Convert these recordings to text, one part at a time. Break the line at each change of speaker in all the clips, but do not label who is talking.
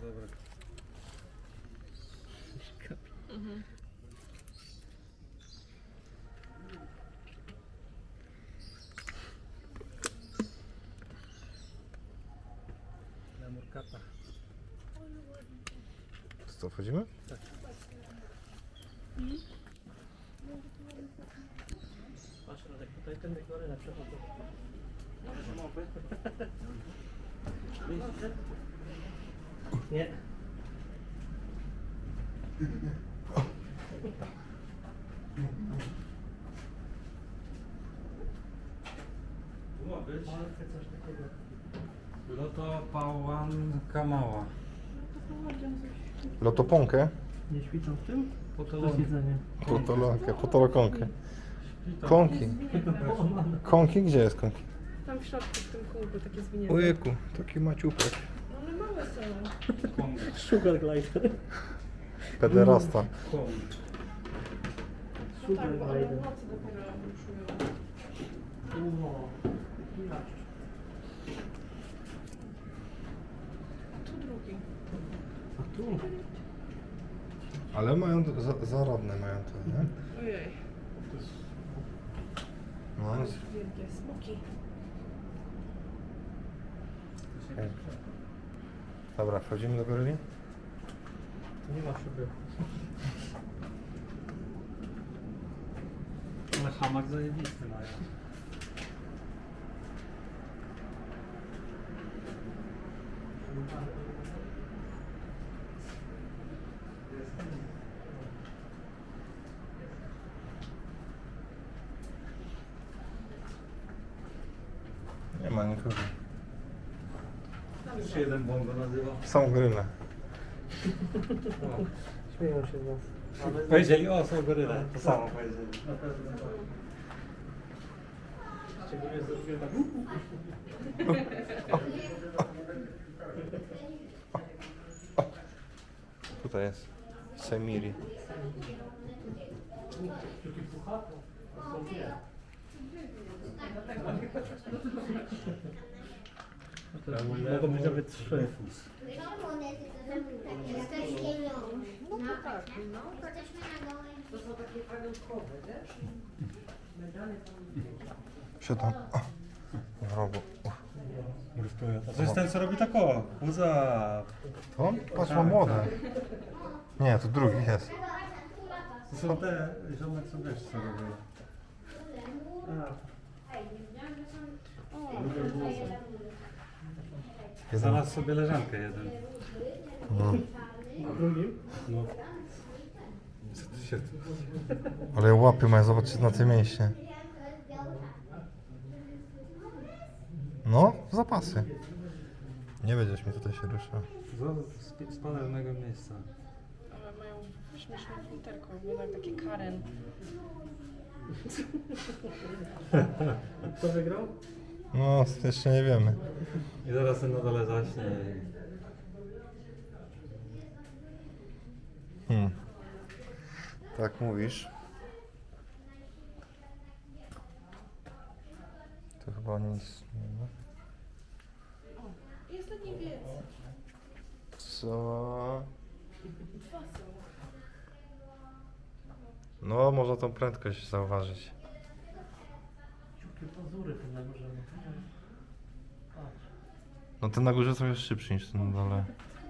dobra.
Mhm.
Na murkata.
Co, wchodzimy?
Patrz, Radek, tutaj ten deklarę na przechodzą. Nie.
Tu ma być
Coś takiego.
Loto Pałanka Mała.
Lotoponkę?
Nie świecą w tym? To
Potolonka.
jedzenie.
Potolokonkę. Konki. Konki? Gdzie jest konki?
Tam w środku, w tym kółku, takie zwinięte.
Ojejku, taki maciupek.
No ale małe są.
Sugar glider.
Pederasta.
No
Sugar
tak, bo one w
glider.
nocy dopiero ruszują.
Ło. Inaczej.
A tu drugi.
A tu?
Ale mają, zaradne mają to, nie?
Ojej,
No,
wielkie smoki.
dobra, wchodzimy do goryli?
Nie ma szyby.
Ale hamak zajebisty mają.
Nie ma nikogo.
Już się jeden bongo nazywa.
Są goryle.
Śmieją się z nas. Ale
Powiedzieli, o, są goryle. To samo powiedzieli.
na pewno tak. Szczególnie zrobiłem tak.
Tutaj jest Semiri.
Taki puchato. A są nie. Mogą być nawet 3.
No to tak, no.
To są takie pamiątkowe, wiesz? Medale
Siadam. W rogu.
A to jest ten, co robi tak o. Łza.
To? Patrz, ma młode. Nie, to drugi jest.
To są te, ziomek co wiesz co robią. Znalazł sobie leżankę jeden.
No.
A drugim?
No. Co ty się...
Ale łapy mają, zobaczcie na te mięśnie. No, zapasy. Nie będziesz mi tutaj się ruszał.
Z panelnego miejsca.
Ale mają śmieszne futerko, wyglądają takie Karen.
Kto wygrał?
No, jeszcze nie wiemy.
I zaraz ten na dole zaśnie.
Tak mówisz. To chyba nic nie ma.
Jest na niebieski.
Co?
Dwa są.
No, można tą prędkość zauważyć.
Ciukie pazury ten na górze. Patrz.
No ten na górze trochę szybszy niż ten na dole.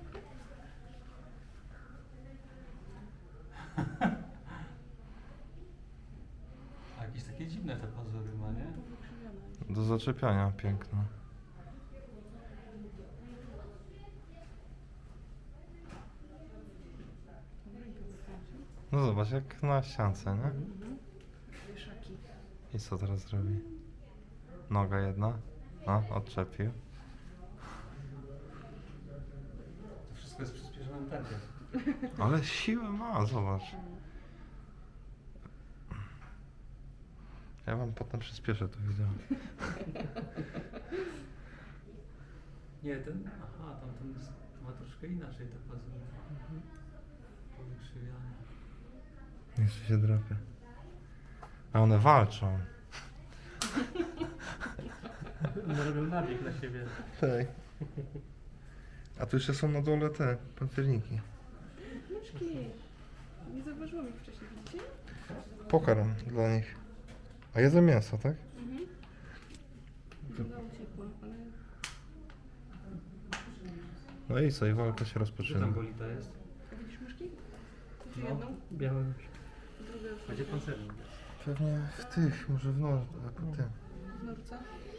A jakieś takie dziwne te pazury ma, nie?
Do zaczepiania piękne. No zobacz, jak na ściance, nie?
Wieszaki.
I co teraz zrobi? Noga jedna. No, odczepił.
To wszystko jest w przyspieszonym tempie.
Ale siłę ma, zobacz. Ja wam potem przyspieszę to wideo.
Nie, ten... Aha, tamten jest, ma troszkę inaczej te pazury. Powykrzywiane.
Jeszcze się drapie. A one walczą.
One robią nabieg na siebie.
Hej. A tu jeszcze są na dole te pancerniki.
Myszki. Nie zauważyłam ich wcześniej, widzicie?
Pokarm dla nich. A jedzą mięso, tak?
Druga uciekła, ale...
No i co, i walka się
Gdzie
rozpoczyna.
tam bolita jest?
A widzisz myszki? Widzisz
No,
jedną?
białe.
Druga już
A gdzie pancernik?
Pewnie w tych, może w tym.
w norce.